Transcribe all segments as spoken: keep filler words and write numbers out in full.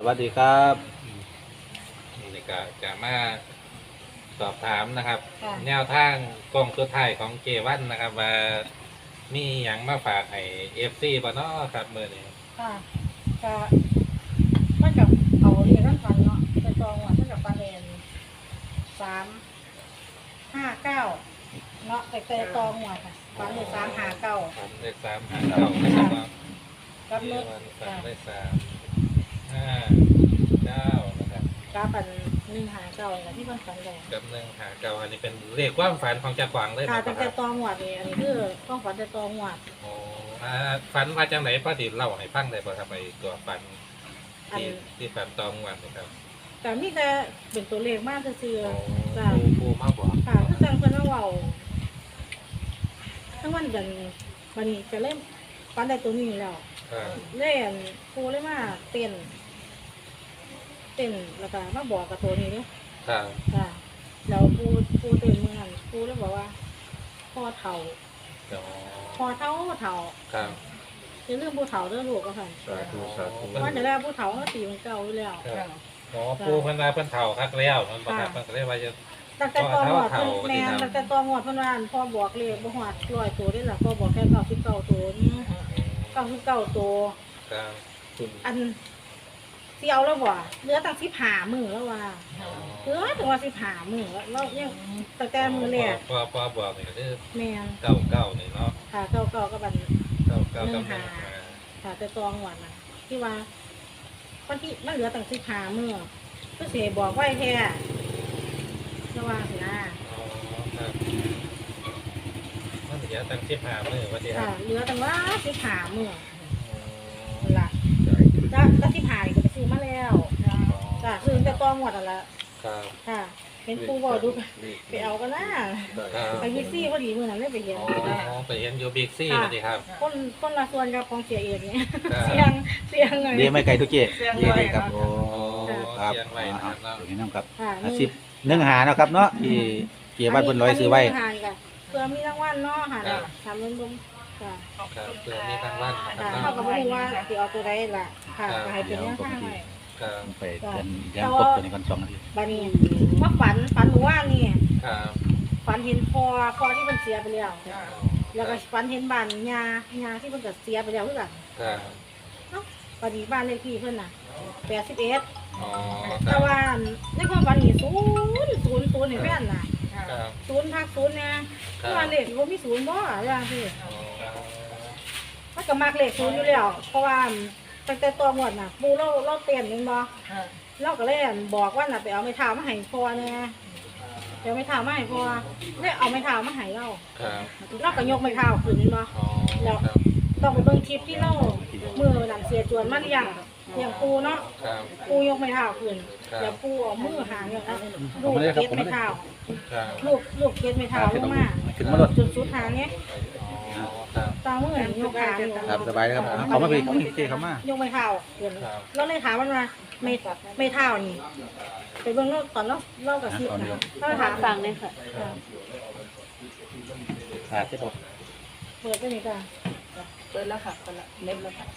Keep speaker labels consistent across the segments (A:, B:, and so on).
A: วัสดีครับ
B: นี่ก็จะมาสอบถามนะครับ
C: ค่ะ
B: แนวทางกล้องสุดท้ายของเจวันนะครับ ว่ามีอย่างมาฝากให้เอฟซีบ่เนาะครับมือนี้
C: ค่ะก็มันกับเอาเรียนนั่นฟันเนาะไปจองว่ามันกับปลาเรนสามห้าเก้าเนาะไปไปจองหัวค่ะฟันเลยสามห้าเก้า
B: ครับเลขสามห้าเก้านะครับเนาะ
C: กับ
B: เจ
C: รถ
B: วันสา
C: ค่ะ
B: มเลขสามห้าเก้านะครับ
C: กับปันหนึ่งหาเก้าเนี่ยที่มันฝันแดง
B: กับหนึ่งหาเก้าอันนี้เป็นเลขความฝันของจ่าขวางเลย
C: ค่ะ
B: นะค
C: ตั้งแต่
B: รับ
C: ตองหัวนี่อันนี้คือต้องฝันแต่ตองหัว
B: โอ้อ่าฝันมาจากไหนพ่อติเล่าให้ฟังได้ป่ะครับไอตัวฝัน
C: อัน
B: ที่ที่ฝันตองวันนะครับ
C: แต่มีแต่เป็นตัวเลขมากซื่อ
B: โอ้
C: ๆจ้ะ
B: ปูปูมาบอก
C: ค่ะคือจังเพิ่นว่าเว้าทั้งวันเดือนวันนี้จะเริ่มฝันได้ตัวนี้แล้ว
B: ครับ
C: เล่นครูเลยมาเต้นเต้นแล้วก็มาบอกกับตัวนี้เนี่ย
B: ครับ
C: ค่ะแล้วครูครูเต้นเมื่อนั้นครูเลยบอกว่าพ่อเฒ่า
B: เดี๋ยว
C: พ่อเฒ่าเฒ่า
B: ครับ
C: จะเรื่องผู้เฒ่าเรื่องลูกก็ค่ะ
A: สาธุสาธุ
C: ว่าจะได้ผู้เฒ่าก็ตีมันเก่าอยู่แล้ว
B: ครับอ๋อปูเพิ่นว่าเพิ่นเฒ่าคักแล้วมันบ่ครับ
C: ค่ะ
B: เพิ่นก็เลยว่าจะ
C: ตั้งแต่ตอนหมด
B: พ่อเฒ่า
C: แม่
B: เฒ่า
C: ตั้งแต่ตอนหมดเพิ่นว่าพ่อบอกเลขบ่ฮอดร้อยตัวได้ล่ะพ่อบอกแค่เก้าสิบเก้าตัวนี่เก้าสิบเก้าตัว
B: ครับคุณ
C: อันที่เอาแล้วบ่เหลือตั้งสิบห้ามื้อแล้วว่า เออถึงว่าสิบหามือแล้วเรายังตั้งแต่มือแรก
B: พอพอบอกนี่ก็คือ
C: แม่น
B: เก้าเก้านี่เนาะ
C: ค่ะเก่าเก่าก็บัน
B: เก้าเก้า
C: หนึ่
B: กับ
C: ง
B: หนึ่
C: หา
B: งห้า
C: ค่ะแต่ตองหวานน่ะที่ว่าวันที่มันเหลือตั้งสิบหามือก็เสียบอกไว้แค่ระวังสินะ
B: อ๋อครับมันเดี๋ยวตั้งสิบห้ามื้อว่าสิครั
C: ค่ะ
B: บ
C: เหลือตั้งว่าสิบหามือ
B: อ๋อ
C: นั่นล่ะจ้าก็สิบหานี่ก็ไปซื้อมาแล้วจ้าซื้อแต่ตองหวดนั่นละ
B: ครับ
C: ค่ะเป็นปูบอกดูไปเอากันนะครับ ไปวิซี่พอดีมือนั้นเลยไปเห็น
B: อ๋อไปเห็นอยู่บิ๊กซี่สวัสดีครับ
C: คนคนละส่วนกับของเสียเอกเนี่ย
B: ครับ
C: เสียงเสียงเลย
A: เรียไม่ไกลทุกเจ๊
C: เสียง
A: เรีย
C: ไว้
A: ดีครับโอ้
B: อ๋อ
A: ครับ
B: เสียงไว้นะครับเนาะ
A: เดี๋ยวนี้น้ำครับ
C: ค่ะ
A: อาสิบหนึ่งหานะครับเนาะที่เกียร์บ้านเพิ่นร้อยซื้อไว้
C: นนี้ห่างกันเพื่อมีรางวัลเนาะค่ะทำเงินบุ้มค่ะ
B: ครับเพื่อมีทางบ้านนะค
C: ค่ะ
B: รับ
C: เท่า
B: เนาะ
C: กับว่าว่าสิเอาตัวใดล่ะค่ะก็ให้เป็นแนวทางให้
B: ครับ
A: ไปเดินเดินครบตัวนี้ก่อนสองนาที
C: บานี้ว่าฝันฝันหนูว่านี่
B: ครับ
C: ฝันเห็นพ่อพ่อที่มันเสียไปแล้วแล้วก็ฝันเห็นบ้านยายาที่มันก็เสียไปแล้วคือกัน
B: ครับ
C: เนาะบานี้บ้านเลขที่เพิ่นน่ะแปดสิบเอ็ด
B: อ๋อค
C: แต่
B: รับ
C: ว่าในความฝันนี่ศูนย์ศูนย์ศูนย์เห็นแม่นน่ะ
B: ครับ
C: ศูนย์พักศูนย์เนี่ยที่ว่าเลขว่ามีศูนย์บ่อย่างที่
B: อ๋อ
C: มันก็มักเลขศูนย์อยู่แล้วเพราะว่าตั้งแต่ตัวหมดน่ะปูเราเราเตียนเห็นบ่เราก็เลยบอกว่าน่ะไปเอาไม้เท้ามาให้พ่อแน่เดี๋ยวไม้เท้ามาให้พ่อเลยเอาไม้เท้ามาให้เรา
B: ครับ
C: เราก็ยกไม้เท้าขึ้นเห็นบ่
B: อ๋อครับ
C: ต้องไปเบิ่งคลิปที่เรามือนั่นเสียจวนมาเลี้ยงเลี้ยงปูเนาะ
B: ครับ
C: ปูยกไม้เท้าขึ้นแล้วปูเอามือหางอย่างนั้นลูกเก็บไม้เท้า
B: ครับ
C: ลูกลูกเก็บไม้เท้าลงมา
A: ขึ้นมาหลด
C: จนสุดทางเนี้ย
B: อ๋อครับ
C: ตามือยกขาอยู่
A: ครับสบายนะครับเขามาพี่เขาพี่เจ๊เขามาย
C: กไม่เท้าเห็นเราเลยถามมันว่าไม่ไม่เท้านี่ไปเบิ่งเราตอนเราเรากับซิบนะเราถามฟังเลยค่ะ
A: ขาดเจ๊บอก
C: เปิดไปนี่จ้ะ
D: เปิดแล้วค่ะเปิดแล้วเล็บแล้วค่ะ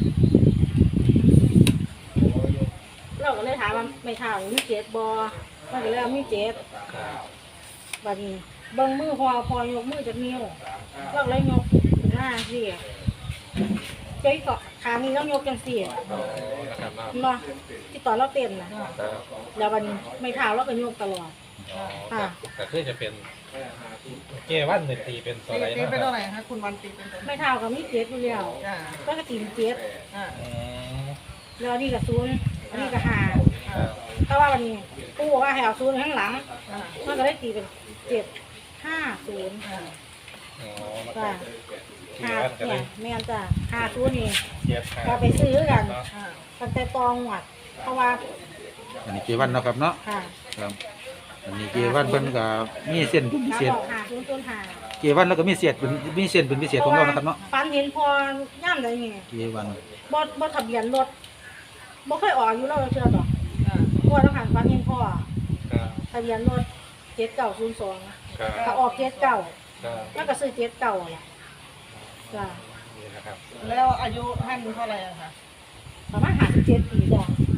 C: เราก็เลยถามว่าไม่เท้านี่มีเจ็ดบอมันก็เลยว่ามีเจ็ด
B: ครับ
C: บัดนี้เบิ่งมือพอพอยกมือจากนิ้วเราก็เลยยกหน้าสิเจ๊ก็ขานี้ต้องยกจังสี่
B: อ๋อนะครับเนาะ
C: เนาะที่ตอนเราเต้นนะครับ แล้วบัดนี้ไม่เท้าเราก็ยกตลอด
B: อ๋อครับแต่คือจะเป็นเกวันหนึ่งตีเป็นตัวอะไร
D: ตี
B: นะ
D: เป็น
B: ค
D: ตั
B: รั
D: ว
B: บ
D: ไหนคะคุณวันตีเป็นตัวไหน
C: ไม่เท้ากับมีเจ็ดอยู่แล้ว
D: จ้า
C: ก็กระถิ่นเจ็ด
D: อ่า
B: อืม
C: แล้วอันนี่ก็ศูนย์อันนี้ก็ห้า
B: ครับ
C: ถ้าว่าวันนี้กูบอกว่าให้เอาศูนย์ข้างหลัง
D: อ่า
C: มันก็ได้ตีเป็นเจ็ดห้าศูนย์
D: อ่า
B: อ๋อมา
C: จ้ะ
B: เก
C: ห้า
B: วันก็เล
C: เนี่ย
B: ย
C: แม่นจ้ะห้าศูนย์นี่
B: เจ็ดห้า
C: ก็ไปซื้อกัน
B: เนาะ
D: อ่า
C: ตั้งแต่ตองหวัด เพราะว่า
A: อันนี้เกียร์วันเนาะครับเนาะ
C: ค่ะ
A: ครับอันนี้เกียร์วันเพิ่นก็มีเส้นเป็นพิ
C: น้า
A: เศษ
C: บอกห้าศูนย์ศูนย์ห้า
A: เกียร์วันแล้วก็มีเศษเป็นมีเส้นเป็นพิเศษของเรานะครับเนาะ
C: ฟันเห็นพอย่ำได้ไง
A: เกียร์วัน
C: บ่บ่ทะเบียนรถบ่เคยออกอยู่แล้วเชื่อต่อ
D: อ่า
C: เพราะว่าต้องหันฟันเห็นพ่อ
B: ครับ
C: ทะเบียนรถเจ็ดเก้าศูนย์สอง
B: ครับ
C: ถ้าออกเจ็ดเก้า
B: ครับ
C: แล้วก็ซื้อเจ็ดเก้าแหละจ้ะ
B: นี่นะครับ
D: แล้วอายุท่านเท่าไหร่อะคะ
C: ประมาณห้าสิบเจ็ดปีจ้ะ
D: อ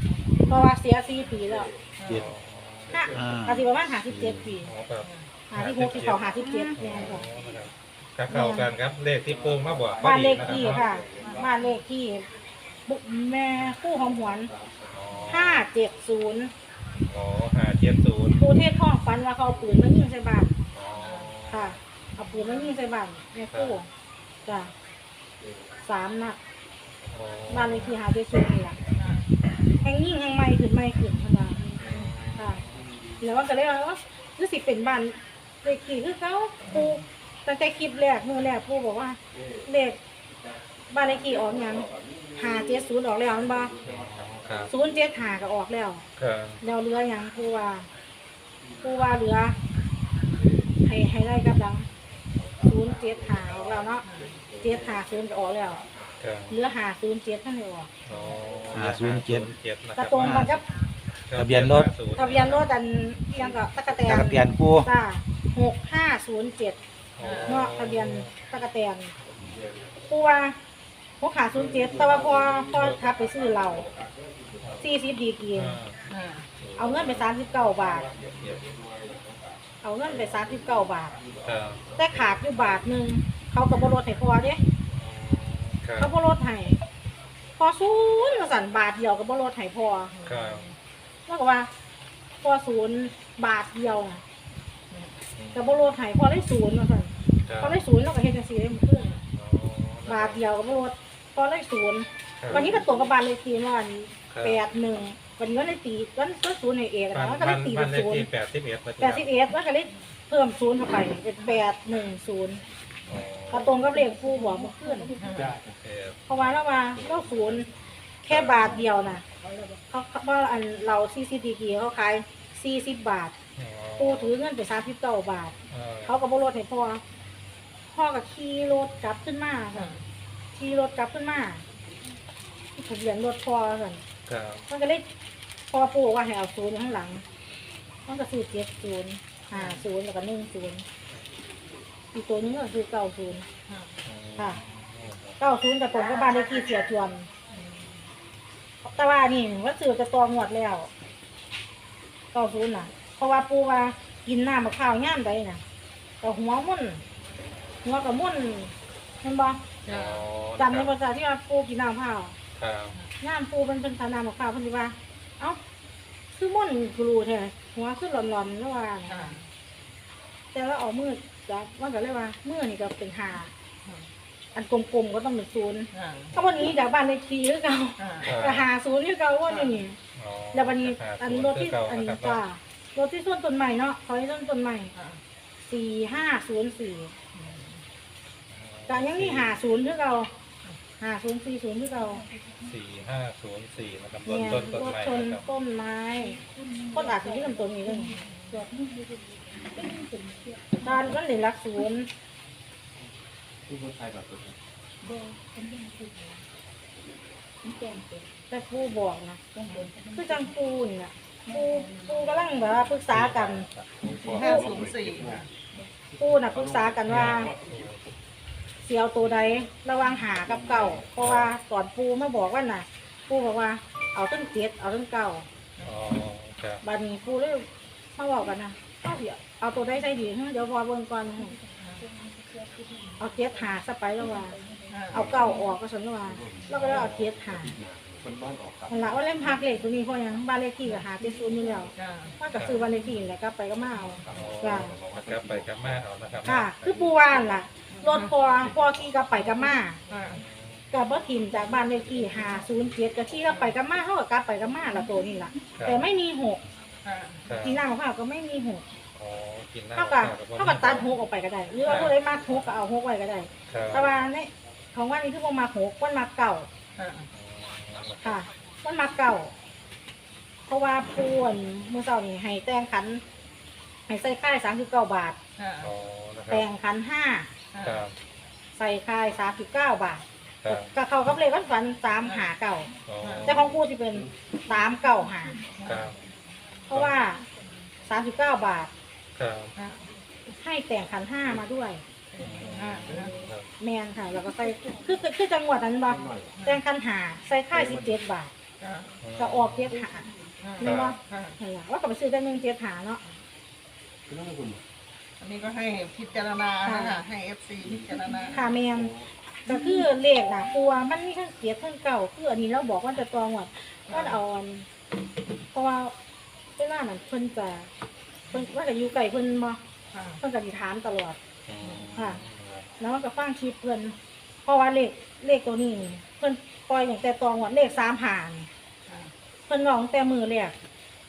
C: เพราะว่าเสียสี่ปีแล้ว
A: เจ็ด
C: ห้า
A: อ่า
C: อาทิประมาณห้าสิบเจ็ดปี
B: อ๋อครับ
C: ห้าสิบหกที่เขาห้าสิบเจ็ดเนี่ยค่ะ
B: ครับเข้ากันครับเลขที่ปูมาบอก
C: บ้านเลขที่ค่ะบ้านเลขที่บุแม่คู่ของหวนห้าเจ็ดศูนย์
B: อ๋อห้าเจ็ดศูนย์
C: ปูเทศท่องฟันว่าเขาเอาปืนมายิงใส่บ้านค่ะเอาปืนมายิงใส่บ้านแม่คู่จ้ะสามนัดบ้านเลขที่ห้าเจ็ดศูนย์นี่แหละแห่งยิ่งแห่งใหม่ขึ้นใหม่ขึ้นขนาดค่ะแล้วก็เลยว่าคือสิเป็นบ้านเลขที่คือเขาปูตั้งแต่คลิปแรกมือแรกปูบอกว่าเลขบ้านเลขที่ออกยังห้าเจ็ดศูนย์ออกแล้วมันบ่ศูนย์เจ็ดห้าก็ออกแล้ว
B: ครับ
C: เราเรือยังผู้ว่าผู้ว่าเรือให้ให้ได้กับดังศูนย์เจ็ดหาออกแล้วเนาะเจ็ดหาศูนย์ก็ออกแล้ว
B: ครับ
C: เรือหาศูนย์เจ็ดท่านเลยออก
B: อ๋อ
A: ห้าศูนย์เจ็ด
B: เจ็ดนะค
C: กระ
B: รับ
C: ตรงกันกับ
A: ทะเบียนรถ
C: ทะเบียนรถอันเอียงกับตะกะแต
A: ตะ
C: น
A: กะเตียนปู
C: จ้าหกห้าศูนย์เจ็ด
B: อ๋อ
C: เนาะทะเบียนตะกะแตนผู้ว่าหกหาศูนย์เจ็ดแต่ว่าพอพอทับไปซื้อเราสี่สิบดีกี
B: อ่า
C: เอาเงินไปสามสิบเก้าบาท เอาเงินไปสามสิบเก้าบาท
B: ครับ
C: แต่ขาดอยู่บาทหนึ่งเขากับบรถให้พอเด้
B: ครับ
C: เขาบรถให้พอศูนย์มาสั่นบาทเดียวกับบรถให้พอ
B: ครับ
C: แล้วก็ว่า พอศูนย์บาทเดียวน่ะกับบรถให้พอได้ศูนย์มาสั่น
B: ครับ
C: พอได้ศูนย์แล้วก็เฮ็ดจังซี่ได้หมดเพื่อน
B: อ๋
C: บาทเดียวกับบรถพอได้ศูนย์
B: ครับ
C: วันนี้ก็ตรงกับบาทเลขที่ว่า
B: ครับ
C: แปดหนึ่งวันนี้ก็ได้ตีก็ก็ศูนย์ในเอก
B: บ้า
C: นะ
B: น
C: ก็
B: บ้า
C: ได้
B: น
C: ตี
B: บ้า
C: เป็น น
B: เลข
C: ศูนย์
B: ที่แปดสิบเอ็ด
C: แปดสิบเอ็ดแล้วก็ได้เพิ่มศูนย์เข้าไปเป็นแปดหนึ่งศูนย์
B: อ๋อ
C: ก็ตรงกับเลขผู้บอกเมื่อคืน
B: โอเค
C: เพราะว่าเราว่าเราศูนย์แค่บาทเดียวนะเขาเพราะอันเราซีซีดีกีเขาขายสี่สิบบาท
B: อ๋อ
C: ปูถือเงินไปสามสิบเก้าบาท
B: เออ
C: เขาก็บรถให้พ่อพ่อกับขี่รถกลับขึ้นมาค่ะขี่รถกลับขึ้นมาทะเบียนรถพ่อค่ะ
B: ครับ
C: มันก็เลยพ่อปูว่าให้เอาศูนย์อยู่ข้างหลังมันก็ซื้อเจ็ดศูนย์ห้าศูนย์แล้วก็หนึ่งศูนย์อีกตัวนึงก็คือเก้าศูนย์ค่ะเก้าศูนย์กับตรงกับบ้านเลขที่เสียจวน แต่ว่านี่ว่าซื้อจะตองหมดแล้วเก้าศูนย์น่ะ เพราะว่าปูว่ากินน้ำมะพร้าวย่ามใดน่ะแต่หัวมุ่นหัวกับมุ่นเห็นบ่
B: อ๋อ
C: จำในภาษาที่ว่าปูกินน้ำมะพร้าว
B: ครับ
C: ย่ามปูมันเป็นทาน้ำมะพร้าวเพิ่นสิว่า เอ้าคือมุ่นกรูแท้หัวคือหลอนๆแล้วว่าน่ะแต่ว่าเออกมือจะว่าก็เลยว่ามือนี่ก็เป็นหาอันกลมๆก็ต้องเป็นศูนย์ถ้าวันนี้จากบ้านเลขที่หรือเก่า ก็หาศูนย์ที่เก่าว่าอยู่นี่
B: อ๋อ
C: แล้ววันนี้
B: คบ
C: อันรถที่
B: เก่า
C: อัน
B: นะครับ
C: จ้ารถที่ส้นต้นใหม่เนาะเขาให้ส้นต้นใหม่สี่ห้าศูนย์สี่แต่ยังมีหาศูนย์ที่เราหาศูนย์สี่ศูนย์ที่เรา
B: สี่ห้าศูนย์สี่นะครับต้น
C: เนี่ย
B: ต้นต้น
C: รถ
B: ไม้
C: ชน
B: นะครับ
C: ต้นไม้ต้นอาจจะที่ลำต้นนี้เลยตอนก็เหลือรักศูนย์แต่ครูบอกนะคือจังปูนี่นะปูปูกำลังแบบว่าปรึกษากัน
D: ห้าศูนย์สี่
C: ปูน่ะปรึกษากันว่าเสียวตัวใดระหวังหากับเก่า เพราะว่าตอนปูมาบอกว่าน่ะ ปูบอกว่าเอาต้นเจ็ดเอาต้นเก่า
B: อ๋อครับ
C: บัดนี้ปูเลยมาบอกกันนะเอาเดี๋ยวเอาตัวใดใส่ดีเดี๋ยวพอเบิ่งก่อนเอาเจ็ดหาซะไปแล้วว่า เอาเก่าออกก็สนว่าแล้วก็เลยเอาเจ็ดหามันละว่าเล่มพักเลขตัวนี้เพราะหยังบ้านเลขที่ก็หาเจ็ดศูนย์อยู่แล้วว่าก็ซื้อบ้านเลขที่นี่แหละก็ไปก็มาเอา จ้ะ
B: กลับไปกลับมาเอานะครับ
C: ค่ะ คือปูว่านล่ะรถพอพอขี่ก็ไปก็มากับบ่ถิ่มจากบ้านเลขที่หาศูนย์เจ็ดก็ขี่ก็ไปก็มาเท่ากับกลับไปก็มาละตัวนี่ล่ะ แต่ไม่มีหก
B: ครับ
C: ที่หน้าของเขาก็ไม่มีหก
B: อ๋อกินน้ำ
C: เท่ากับ
B: ข้ว
C: เท่ากับตัดหกออกไปก็ได้หรือว่าผู้ใดมาหกก็เอาหกไว้ก็ได้
B: ครับ
C: แต่ว่าในของว่านี่คือบ่มาหกวันมาเก่าค่ะวันมาเก่า เพราะว่าปูนมือเสานี่ให้แต่งขันให้ใส่ค่ายสามสิบเก้าบาท
B: อ๋อนะครั
C: แต่
B: บ
C: งขันห้า
B: ครับ
C: ใส่ค่ายสามสิบเก้าบาท
B: ครับ
C: ก็เขากับเลขวันฝันสามหาเก่า
B: อ๋อ
C: แต่ของปูที่เป็นสามเก้าหา
B: ครับ
C: เพราะว่าสามสิบเก้าบาท
B: ครับ
C: ให้แต่งขันห้ามาด้วย
B: ครับ
C: แมนค่ะ แล้วก็ใส่คือคือคือจังหวัดนั้นบ่แต่งขันหาใส่ค่ายสิบเจ็ดบาทก็ออกเจ็ดหาแม่นบ่
D: ค่ะ
C: นั่นล่ะว่าก็ไปซื้อได้หนึ่งเจ็ดหาเนาะ
D: อันนี้ก็ให้พิจารณานะคะให้เอฟซีพิจารณา
C: ค่ะแม่นก็คือเลขน่ะกลัวมันมีทั้งเจ็ดทั้งเก้าคืออันนี้เราบอกว่าจะตองหมดว่าเอาอันเพราะว่าเวลานั้นเพิ่นจะเพิ่นว่าจะอยู่ไกลเพิ่นบ่
D: ค่ะ
C: เพิ่นก็สิถามตลอด
B: อืม
C: ค่ะ แล้วมันก็ฟังคลิปเพิ่นเพราะว่าเลขเลขตัวนี้นี่เพิ่นปล่อยตั้งแต่ตองหมดเลขสามหาน
D: ค่ะ
C: เพิ่นร้องแต่มือแรก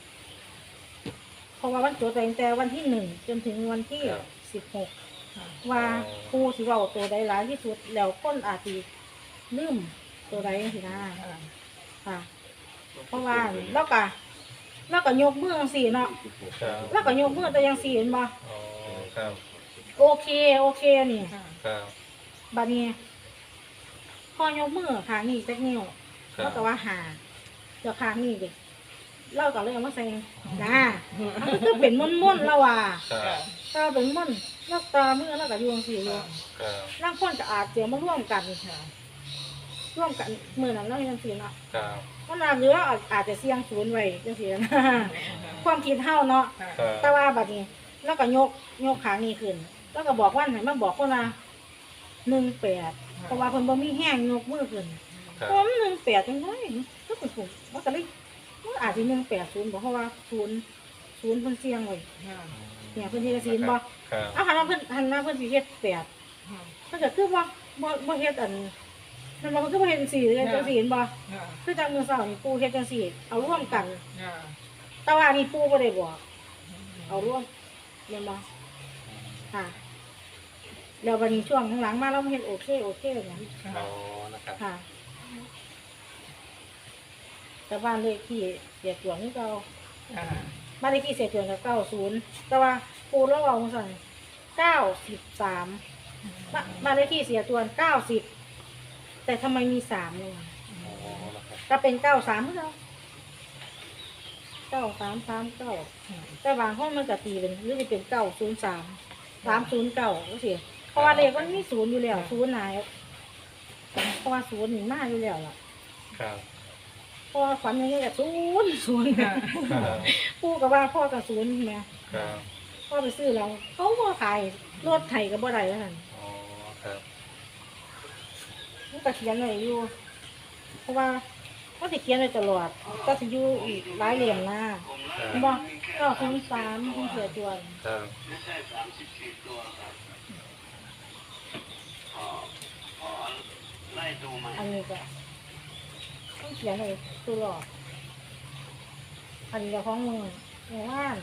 C: เพราะว่าวันจดตั้งแต่วันที่หนึ่งจนถึงวันที่สิบหก
D: ค่ะ
C: ว่าครูสิเว้าตัวใดหลายที่สุดแล้วคนอาจสิลืมตัวใดจังซี่นะ
D: ค่ะ
C: ค่ะ เพราะว่าแล้วก็แล้วก็ยกมือจังซี่เนาะ
B: ครับ
C: แล้วก็ยกมือแต่จังซี่เห็นบ่
B: อ๋อครับ
C: โอเคโอเคนี่
D: ค่ะ
B: ครับ
C: บัดนี้ พอยกมือข้างนี้จักนิ้ว
B: ครั
C: แล้
B: บ
C: วก็ว่าหาเดี๋ยวข้างนี้เด็กเราก็เลยเอามาใส่นะมันก็เป็นม่วนๆแล้วว่ะ
B: ครับ
C: ตาเป็นม่วนแล้วตามือแล้วก็อยู่จังซี่อยู่
B: ครับ
C: ร่างคนก็อาจจะมาร่วมกันค่ะร่วมกันมือนั้นเราเฮ็ดจังซี่เนาะ
B: ครับ
C: เพราะนั้นหรือว่าอาจจะเสี่ยงศูนย์ไว้จังซี่นะ ความคิดเฮาเนาะ
D: ค่ะ
B: ครับ
C: แต่ว่าบัดนี้แล้วก็ยกยกขานี้ขึ้น แล้วก็บอกว่าไหนมาบอกคนละหนึ่งแปดเพราะว่าเพิ่นบ่มีแห้งยกมือขึ้น
B: ครับ
C: เพราะมันหนึ่งแปดจังได๋ก็เป็นผมว่าก็เลยมันอาจสิหนึ่งแปดศูนย์บ่เพราะว่าศูนย์ศูนย์เพิ่นเสี่ยงไว้
D: ค่ะ
C: เนี่ยเพิ่นเฮ็ดจังซี่บ่
B: ครับ
C: เอาหันมาเพิ่นหันมาเพิ่นสิเฮ็ดแปด
D: ค่ะ
C: เพิ่นก็คือบ่บ่บ่เฮ็ดอันมันบ่คือบ่เฮ็ดจังซี่เลยจังซี่เห็นบ่
D: ค่ะ
C: คือจังมื้อเช้านี่ปู่เฮ็ดจังซี่เอาร่วมกัน
D: ค่ะ
C: แต่ว่านี่ปู่บ่ได้บอกเอาร่วมแม่นบ่ค่ะแล้ววันนี้ช่วงหลังๆมาเราเฮ็ดโอเคโอเคเนี่ย
B: อ๋อนะครับ
C: ค่ะ แต่บ้านเลขที่เสียจวงนี่เก่า
D: ค่ะ
C: บ้านเลขที่เสียจวงก็เก้าศูนย์แต่ว่าปู่เราเอาสั่งเก้าสิบสามบ้านเลขที่เสียจวนเก้าสิบแต่ทำไมมีสามเนี่ย
B: อ๋อนะครับ
C: ก็เป็นเก้าสามเท่าเก้าสามสามเก้าแต่บางห้องมันก็ตีเป็นหรือจะเป็นเก้าศูนย์สามสามศูนย์เก้าก็เสียเพราะว่าเลขมันมีศูนย์อยู่แล้วศูนย์ไหนเพราะว่าศูนย์หนึ่งมาอยู่แล้วล่ะ
B: ครับ
C: เพราะว่าฝันอย่างเงี้ยศูนย์ศูนย์
D: ค่ะ
B: ครับ
C: ปู่กับว่าพ่อกับศูนย์ไง
B: ครับ
C: พ่อไปซื้อแล้วเขาก็ขายรถไถกับบ่ได้แล้วนั่น
B: อ๋อครับ
C: มันก็เขียนไว้อยู่ เพราะว่าก็สิเขียนไว้ตลอด ก็สิอยู่อีกหลายเหลี่ยมหน้า
B: ครับ
C: เห็นบ่ก็คงสามคงเสียจวน
B: ครับ
C: อันนี้ก็ต้องเขียนไว้ตลอดอันนี้ก็ของมือหมู่บ้าน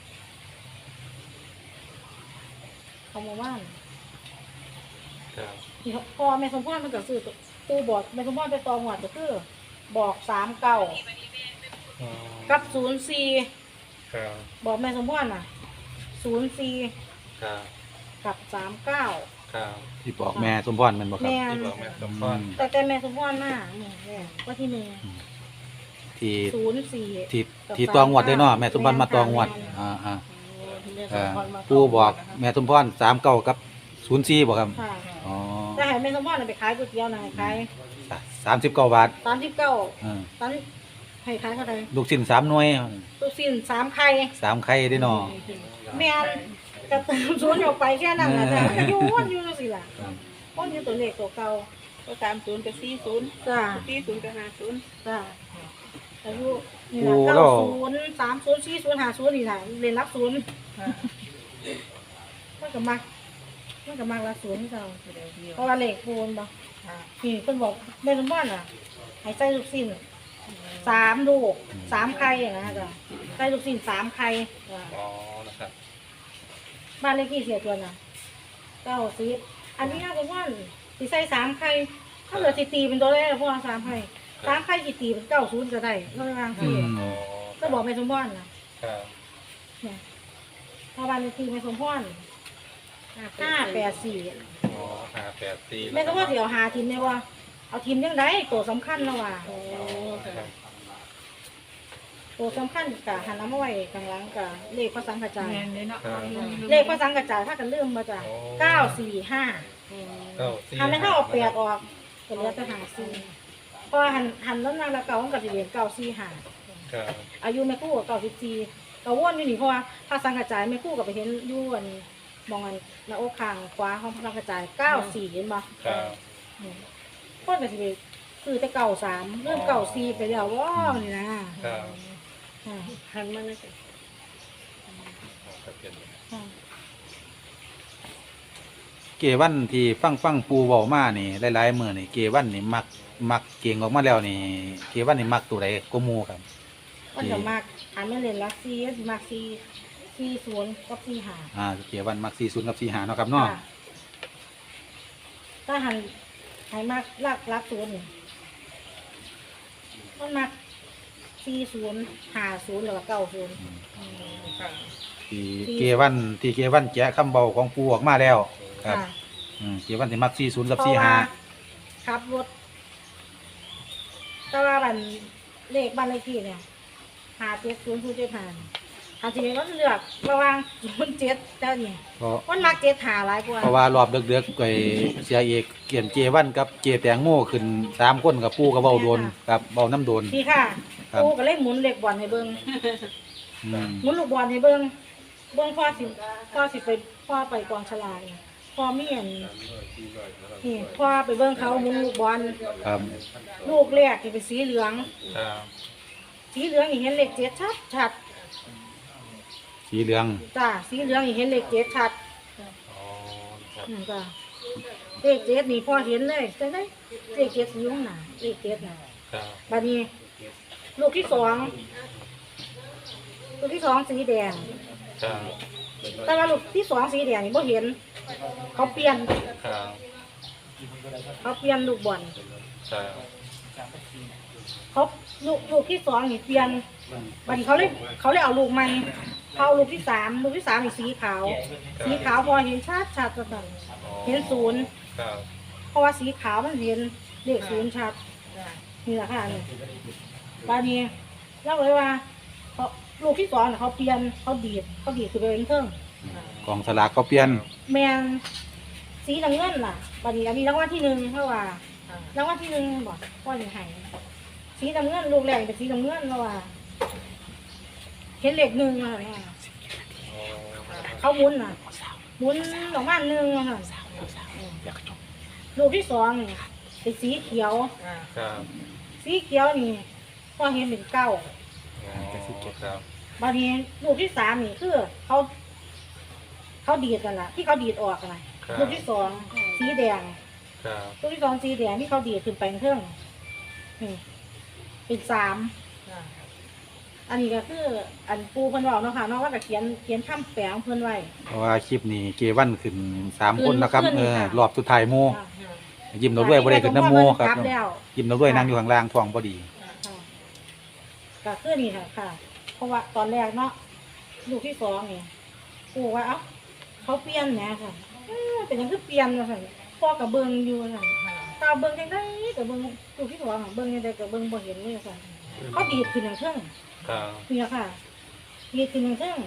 C: ของหมู่บ้าน
B: ครับ
C: ที่พอแม่สมพรมันก็ซื้อตู้บอกแม่สมพรไปตองหวัดก็คือบอกสามเก้า
B: อ๋อ
C: กับศูนย์สี่
B: ครับ
C: บอกแม่สมพรน่ะศูนย์สี่
B: ครับ
C: กับสามเก้า
B: ครับ
A: ที่บอกแม่สมพรแมันบอกครับ
C: แม่
B: ที่บอกแม่สมพร
C: แต่แต่แม่สมพรมาหนึ่งแรกว่าที่หนึ่ง
A: ที่
C: ศูนย์สี่
A: ที่ที่ตองวดได้เนาะแม่สมพรมาตองวดอ่าอ่าอ่าปู่บอกแม่สมพรสามเก้ากับศูนย์สี่บอกครับ
C: ค่ะ
A: อ๋อ
C: แต่ให้แม่สมพรน่ะไปขายก๋วยเตี๋ยวน่ะให้ขาย
A: สามสิบเก้าบาท
C: สามสิบเก้า
A: อ่า
C: ตอนให้ขายเท่าไหร่
A: ลูกชิ้นสามหน่วย
C: ลูกสิ้นสามไข่
A: สามไข่ได้เนาะ
C: แม่นกระเติมศูนย์ออกไปแค่นั้นแหละจ้ะมันอยู่วนอยู่จังซี่ล่ะวนอยู่ตัวเลขตัวเก่า
D: ก็สามศูนย์กับสี่ศูนย์
C: จ้า
D: สี่ศูนย์กับห้าศูนย์
C: จ้าอายุนี่ล่ะเก้าศูนย์สามศูนย์สี่ศูนย์ห้าศูนย์นี่ล่ะเรียนรับศูนย์
D: ค่ะ
C: มันก็มักมันก็มักละศูนย์เก่า
D: เดี๋ยวเดียว
C: เพราะว่าเลขปูนบ่
D: ค่ะ
C: นี่เพิ่นบอกแม่นบ้านอ่ะให้ใส่ลูกชิ้นสามลูกสามไข่อย่างนั้นจ้ะใส่ลูกชิ้นสามไข่จ้ะ
B: อ๋อนะครับ
C: บ้านเลขที่เสียตัวน่ะเก้าสิบอันนี้น่าจะว่าสิใส่สามไข่ถ้าเหลือสิตีเป็นตัวแรกพวกสามไข่สามไข่สิตีเป็นเก้าศูนย์ก็ได้ก็ได้บาง
A: อื
C: ที
A: ม
B: อ๋อ
C: ก็บอกแม่สมพรน่ะ
B: ครับ
C: เนี่ยถ้าบ้านเลขที่แม่สมพรห้าแปดสี่
B: อ๋อห้าแปดสี่
C: แม่สมพรสิเอาหาทีมได้ว่าเอาทีมยังไงตัวสำคัญนะว่า
B: อ๋อครับ
C: ตัวสำคัญกะหันน้ำมาไว้ข้างหลังกะเลขพระสังกระจาย
D: แม่นเลยเนาะ
C: เลขพระสังกระจายถ้ากันลืมมาจ้ะเก้าสี่ห้า
B: เก้าสี่
C: หันไม่เข้าออกแปดออกก็เหลือแต่หาสี่เพราะว่าหันหันแล้วนางละเก่ามันก็จะเหรียญเก้าสี่ห้า
B: ครับ
C: อายุแม่ครู่กับเก้าสิบสี่ก็วนอยู่นี่เพราะว่าพระสังกระจายแม่ครู่กับไปเห็นอยู่อันมองอันหน้าอกข้างขวาของพระสังกระจายเก้าสี่เห็นบ่
B: ครับ
C: อืมคนก็สิไปคือแต่เก่าสามเริ่มเก่าสี่ไปแล้วว้าวนี่นะครับ อ่า
D: หันมาเลย
B: ครับเป็น
C: อ่า
A: เกวันที่ฟังฟังปูเว้ามานี่หลายๆมื้อนี่เกวันนี่มักมักเก่งออกมาแล้วนี่เกวันนี่มักตัวใดก็หมู่ครับ
C: มันจะมากอันไม่เล่นลักซี่ก็สิมากซี่ซี่ศูนย์กับซี่หา
A: อ่าเกวันมักสี่ศูนย์กับสี่ห้าเนาะครับเนาะ
C: ค่ะถ้าหันให้มากลักลักศูนย์นี่มันมากซี่ศูนย์หาศูนย์หรือว่าเก้าศูนย์
D: ค่ะ
A: ที่เกวันที่เกวันแกะคำเบาของปูออกมาแล้วครับ
C: ค่ะ
A: อืมเกวันที่มักสี่ศูนย์กับ
C: เพ
A: สี่
C: ราะว่า
A: ห้า
C: ขับรถแต่ว่าบันเลขบ้านเลขที่เนี่ยหาเจ็ดศูนย์ศูนย์เจ็ดหาหาทีนี้ก็เลือกระหว่างศูนย์เจ็ดเจ้านี่
A: เพราะ
C: มันมักเจ็ดหาหลายกว่า
A: เพราะว่ารอบเดือกๆไอ้เสียเอกเกียนเกวันกับเกแตงโมขึ้นสามคนกับปูกับเบาโดนกับเบาน้ำโดน
C: พี่ค่ะ
A: ครับ
C: กูก็เลยหมุนเหล็กบอลให้เบิ้ง
A: อืม
C: หมุนลูกบอลให้เบิ้งเบิ้งพ่อสิพ่อสิไปพ่อไปกองฉลากนี่พ่อมีอันนี่พ่อไปเบิ้งเขาหมุนลูกบอล
A: ครับ
C: ลูกแรกนี่เป็นสีเหลือง
B: ครับ
C: สีเหลืองนี่เห็นเหล็กเจ็ดชัดชัด
A: สีเหลือง
C: จ้าสีเหลืองนี่เห็นเหล็กเจ็ดชัด
B: อ๋อครับ
C: อืมจ้าเลขเจ็ดนี่พ่อเห็นเลยใช่ไหมเลขเจ็ดอยู่ข้างหน้าเลขเจ็ดน่ะ
B: ครับ
C: บัดนี้ ลูกที่สองลูกที่สองสีแดง
B: ครับ
C: แต่ว่าลูกที่สองสีแดงนี่บ่เห็น เขาเปลี่ยน
B: ครับ
C: เขาเปลี่ยนลูกบอล
B: ครับ
C: เขาลูกลูกที่สองนี่เปลี่ยนบัดนี้เขาเลยเขาเลยเอาลูกใหม่เขาเอาลูกที่สามลูกที่สามนี่สีขาว สีขาวพอเห็นชัดชัดจังเห็นศูนย์
B: ครับ
C: เพราะว่าสีขาวมันเห็นเลขศูนย์ชัดนี่แหละค่ะนี่บัดนี้เราเลยว่าเขาลูกที่สองน่ะเขาเปลี่ยนเขาดีดเขาดีดคือไปเป็นเครื่อง
A: กองสลากก็เปลี่ยน
C: แมนสีน้ำเงินล่ะบัดนี้อันนี้รางวัลที่หนึ่งเพราะว่ารางวัลที่หนึ่งบอกพ่อหนึ่งไห้สีน้ำเงินลูกแรกเป็นสีน้ำเงินเพราะว่าเห็นเลขหนึ่งอะไร
B: อ๋อ
C: เขาหมุนน่ะหมุนออกมาหนึ่งอะค่ะลูกที่สองนี่เป็นสีเขียว
B: ครับ
C: สีเขียวนี่พ่อเห็นเป็นเก้า
B: อ๋อครับ
C: บัดนี้ลูกที่สามนี่คือเขาเขาดีดกันล่ะ ที่เขาดีดออกกันล่ะ
B: ครับ
C: ลูกที่สองสีแดง
B: ครับ
C: ลูกที่สองสีแดงที่เขาดีดขึ้นไปเครื่องนี่เป็นสามอันนี้ก็คืออันปูเพิ่นบอกเนาะค่ะเนาะว่าก็เขียนเขียนคำแปลของเพิ่นไว้
A: เพราะว่าคลิปนี้เกวันขึ้นสามคนนะครับ
C: ขึ้น
A: เออ
C: ค่ะ
A: รอบสุดท้ายโมยิ้มเราด้วยบ่ได้ขึ้นน้ำโมครับ
C: กลัแล้ว
A: ยิ้มเราด้วยนั่งอยู่ข้างล่างท้องพอดี
C: ค่ะก็คือนี่ค่ะค่ะ เพราะว่าตอนแรกเนาะลูกที่สองนี่ปูว่าเอ้าเขาเปลี่ยนแหน่ค่ะเอ้อเป็นหยังคือเปลี่ยนว่าซั่นพ่อกับเบิ่งอยู่ว่าซั่นตาเบิ่งจังได๋ก็เบิ่งลูกที่สองอะเบิ่งจังได๋ก็เบิ่งบ่เห็นเลยว่าซั่นเขาดีดขึ้นอย่างเครื่อง
B: ครับ
C: นี่ค่ะดีดขึ้นอย่างเครื่อง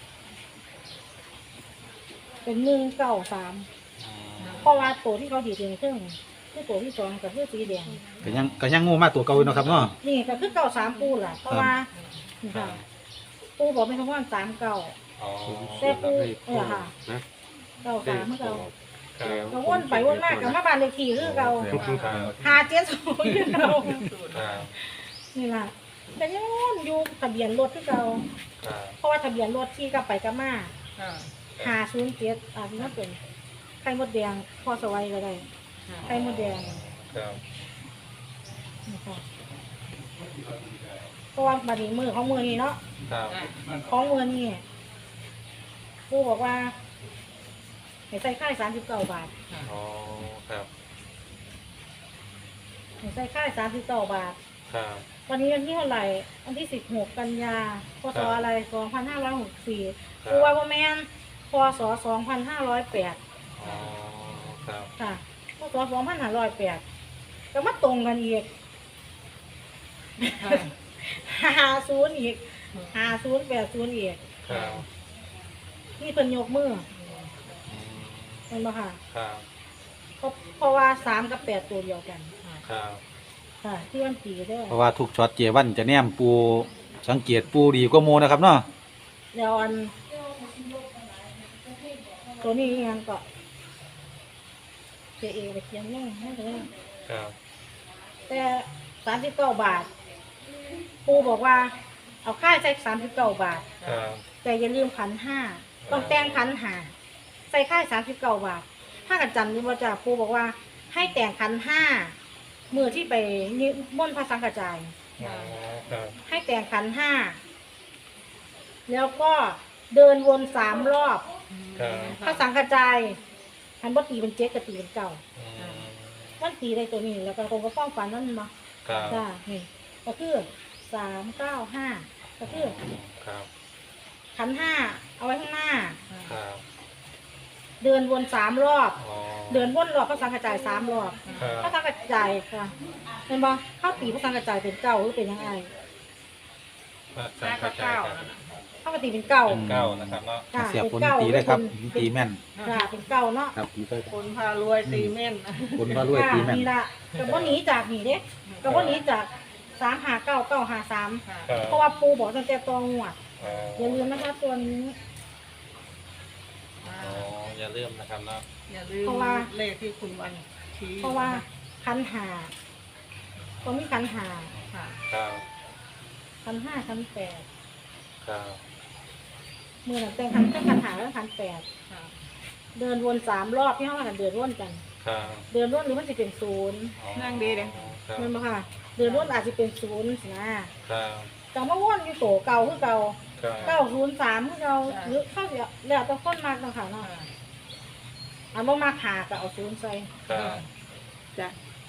C: เป็นหนึ่งเก้าสาม
B: อืม
C: เพราะว่าตัวที่เขาดีดขึ้นอย่างเครื่องคือตัวที่สองก็คือสีแดง
A: ก็ยังก็ยังงูมาตัวเก่าอยู่เนาะครับเนาะ
C: นี่ก็คือเก้าสามปูล่ะ เพราะว่านี่ค่ะปูบอกไม่ทั้งว่าสามเก้า
B: อ๋อ
C: แต่ปูเออค่ะ
E: นะ
C: เก้าสามเมื่อเก้า
B: ครับ
C: ก็วนไปวนมากกับมาบ้านเลขที่คือเก่า
B: ครับ
C: หาเจ็ดศูนย์คือเก่า
B: ครับ
C: นี่ล่ะแต่ยังวนอยู่ทะเบียนรถคือเก่า
B: ครับ
C: เพราะว่าทะเบียนรถที่กลับไปกลับมาหาศูนย์เจ็ดอ่าที่นั่นเป็นไข่มดแดงพอสวัยก็ได้ไข่มดแดง
B: ครับ
C: นี่ค่ะเพราะว่าบัดนี้มือของมือนี่เนาะ
B: ครับ
C: ของมือนี่ปูบอกว่าให้ใส่ค่ายสามสิบเก้าบาท
B: อ๋อครับ
C: ให้ใส่ค่ายสามสิบเก้าบาท
B: ครับ
C: วันนี้วันที่เท่าไหร่วันที่สิบหกกันยาพศอะไรสองพันห้าร้อยหกสี่
B: ครั
C: ปู
B: บ
C: ว่าพ่อแม่นพศสองพันห้าร้อยแปด
B: อ๋อครับ
C: ค่ะพศสองพันห้าร้อยแปดก็มาตรงกันอีกห้าศูนย์อีกห้าศูนย์แปดศูนย์อีก
B: ครับ
C: นี่เพิ่นยกมือ
B: อืม
C: เป็นบ่ค่ะ
B: ครับ
C: เพราะเพราะว่าสามกับแปดตัวเดียวกัน
B: ครับ
C: ค่ะ ที่วันตีเด้อ
A: เพราะว่าทุกช็อตเจวันจะแนมปูสังเกตปูดีกว่าโมนะครับเนาะ
C: เดี๋ยวอันตัวนี้ยังก็เจเอไปเขียนยังไม่ได้
B: ครับ
C: แต่สามสิบเก้าบาทปูบอกว่า เอาค่าใช้สามสิบเก้าบาท
B: ครับ
C: แต่อย่าลืมขันห้าต้องแต่งขันหาใส่ค่ายสามสิบเก้าบาท ถ้ากันจำนี่ว่าจะปูบอกว่า ให้แต่งขันห้ามือที่ไปนิมนต์พระสังฆจาย
B: อ๋อครับ
C: ให้แต่งขันห้าแล้วก็เดินวนสามรอบ
B: ครับ
C: พระสังฆจายหันบ่ตีเป็นเจ็ดกับตีเป็นเก้า
B: อืม
C: มันตีได้ตัวนี้แล้วก็คงก็ป้องฟันนั่นมา
B: ครับ
C: จ้านี่ก็คือสามเก้าห้าก็คือ
B: ครับ
C: ขันห้าเอาไว้ข้างหน้า
B: ครับ
C: เดินวนสามรอบ
B: อ๋อ
C: เดินวนรอบพระสังฆจายสามรอบ
B: ครั
C: พระ
B: บ
C: สังฆจายค่ะเห็นบ่เข้าตีพระสังฆจายเป็นเก้าหรือเป็นยังไง
B: พระสังฆจายครับ
C: เข้าตีเป็นเก้า
B: เป็นเก้านะครับเนาะ
C: ค่ะ
A: เสียบ
C: เป็น
A: คน
C: เก้า
A: ตีได้ครับ
C: เป็น
A: ตีแม่น
C: ค่ะเป็นเก้าเนาะ
A: ครับตีไป
D: คนพารวยตีแม่น
A: คนว่ารวยตีแม่น
C: นี่ละกับว่าหนีจากนี่เด้กับว่าหนีจากสามหาเก้าเก้าหาสาม
D: ค่ะ
B: ครับ
C: เพราะว่าปูบอกตั้งแต่ตองหวด
B: อ๋อ
C: อย่าลืมนะคะตัวนี้
D: อ่า
B: อ๋ออย่าลืมนะครับเนาะ
D: อย่าลืม
C: เพราะว่า
D: เลขที่คุณวันชี้
C: เพราะว่าคันหาตรงนี้คันหา
D: ค่ะ
B: ครับ
C: คันห้าคันแปด
B: ครับ
C: มือหนังแต่งคันแต่งคันหาแล้วคันแปด
D: ค่ะ
C: เดินวนสามรอบที่ห้องกันเดินวนกัน
B: ครับ
C: เดินวนหรือมันจะเป็นศูนย์
B: อ๋อ
D: นั่งดีเลย
B: ครับ
C: มันบ่ค่ะ เดินวนอาจจะเป็นศูนย์สินะครับ แต่ว่าวนอยู่โตเก่าคือเก่า
B: ครับ
C: เก้าศูนย์สามคือเก่าหรือเข้าเดี๋ยวแล้วแต่คนมากเนาะค่ะเนาะ
D: ค่ะ
C: อันบ่มาหาก็เอาศูนย์ใส่
B: ครับ
D: จ้ะ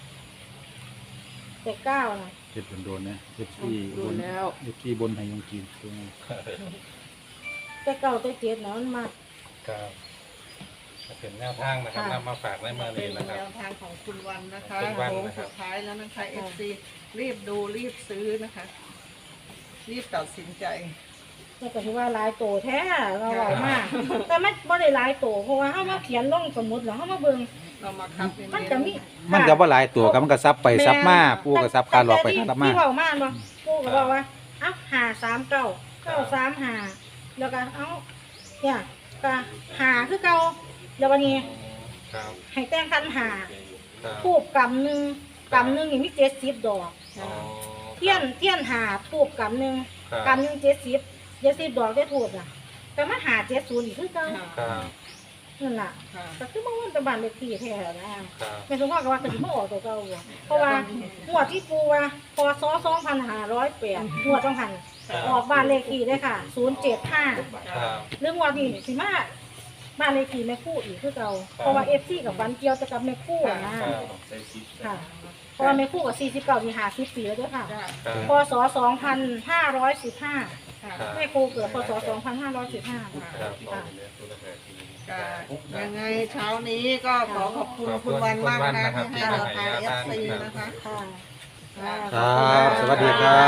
C: แต่เก้านะ
A: เจ็บโดนๆนะเจ็บที่
D: ดู
A: บน
D: แล้ว
A: เจ็บที่บนให้ยงกินตรงนี้
C: แต่เก้าแต่เจ็ดนะมันมา
B: ครับเป็นแนวทางนะครับนำมาฝากในเมื่อ
D: เป็
B: นี้
D: น
B: นะครับ
D: แนวทางของคุณวันนะคะ
B: คุณวัน
D: โค้ง
B: นะครับ
D: สุดท้ายแล้วนะคะเอฟซีรีบดูรีบซื้อนะคะ รีบตัดสินใจ
C: แต่ก็ถือว่าหลายโตแท้เราบอกมาก แต่ไม่บ่ได้หลายโตเพราะว่าเฮามาเขียนลงสมุดแล้วเฮามาเบิ่ง
D: เรามาคัดเน้นๆ
C: มันจะมี
A: มันก็บ่หลายตัวครับมันก็ซับไปซับมาปูก็ซับคาหลอกไปคารับมา
C: ที่เว้ามาบ่ปูก็บอกว่าเอ้าหาสามเก้าเก้าสามหาแล้วก็เอ้าเนี่ยก็หาคือเก่าแล้ววันนี้
B: ครับ
C: ให้แต่งคันหา
B: ครับ
C: ทูบกำหนึงกำหนึงนี่มีเจ็ดสิบดอก
B: อ๋อ
C: เทียนเทียนหาทูบกำหนึง
B: ครับ
C: กำหนึงเจ็ดสิบเจ็ดสิบดอกได้ทูบน่ะ แต่มาหาเจ็ดศูนย์อีกคือเก่า
D: ค่ะ
B: ครับ
C: นั่นล่ะ
D: ค่ะ
C: ก็คือมาวันตะบันเลขที่แท้นะ
B: ครับ
C: แม่สมพรก็ว่าคือสิมาออกตัวเก่าบ่เพราะว่าหัวดที่ปูว่าพศสองพันห้าร้อยแปดหัวดต้องหันออกบ้านเลขที่ได้ค่ะศูนย์เจ็ดห้า
B: ครับ
C: เรื่องหัวดนี่สิมาบ้านเลขที่แม่คู่อีกคือเก่าเพราะว่าเอฟซีกับฟันเกี่ยวแต่กับแม่คู่อะนะครับ ค่ะเพราะว่าแม่คู่กับสี่สิบเก้าที่ห้าสิบปีแล้วด้วยค่ะ
D: จ้ะ
B: ครับ
C: พศสองพันห้าร้อยสิบห้า
D: ค่ะ
C: แม่คู่เกิดพศสองพันห้าร้อยสิบห้า
B: ครับ
C: ค่ะ
D: ก็ยังไงเช้านี้ก็ขอขอบคุณคุณวันมากนะที่ให้เราทางเอฟซีนะคะ
C: ค่ะ
A: ครับสวัสดีครับ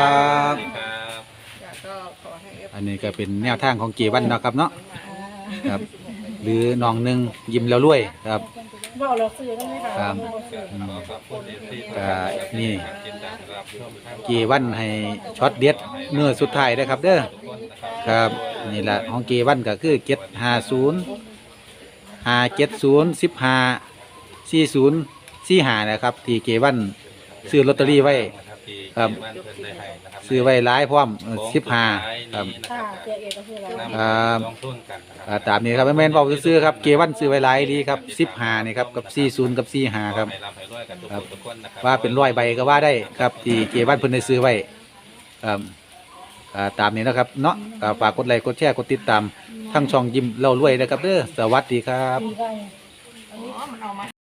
B: ครับ
D: จ้ะก็ขอให้ เอฟซี
A: อันนี้ก็เป็นแนวทางของเกวันเนาะครับเนาะครับ หรือน้องหนึงยิ้มแล้วรวยครับ
C: บอกเราซื้อได้ไหมคะ
A: ครับ
C: อกเราซื้อ
B: ขอขอบคุณที่ที่
A: ก็นี่
B: กินจากรับชมครับ
A: เกวันให้ช็อตเด็ดเนื้อสุดท้ายนะครับเด้อครับนี่แหละของเกวันก็คือเจ็ดห้าศูนย์ห้าเจ็ดศูนย์สิบห้าสี่ศูนย์สี่ห้านะครับ ที่เกวันซื้อลอตเตอรี่ไว้ ครับ ซื้อไว้หลายพร้อมสิบห้าครับ
C: ค่ะเจ๊เอกก็คืออะไร
A: ครับ
B: ลงทุนกันนะค
A: อ่า
B: รับ
A: ตามนี้ครับแม่นๆบอกซื้อๆครับเกวันซื้อไว้หลายดีครับสิบห้านี่ครับกับสี่ศูนย์กับสี่ห้าครับ
B: ให้ร่ำให้รวยกันทุก
A: ครับ
B: ทุกคนนะครับ
A: ว่าเป็นร้อยใบก็ว่าได้ครับที่เกวันเพิ่นได้ซื้อไว้ครับอ่าตามนี้นะครับเนาะก็ฝากกดไลค์กดแชร์กดติดตามทั้งช่องยิ้มเล่ารวยนะครับเด้อสวัสดีครับ
C: ดีไป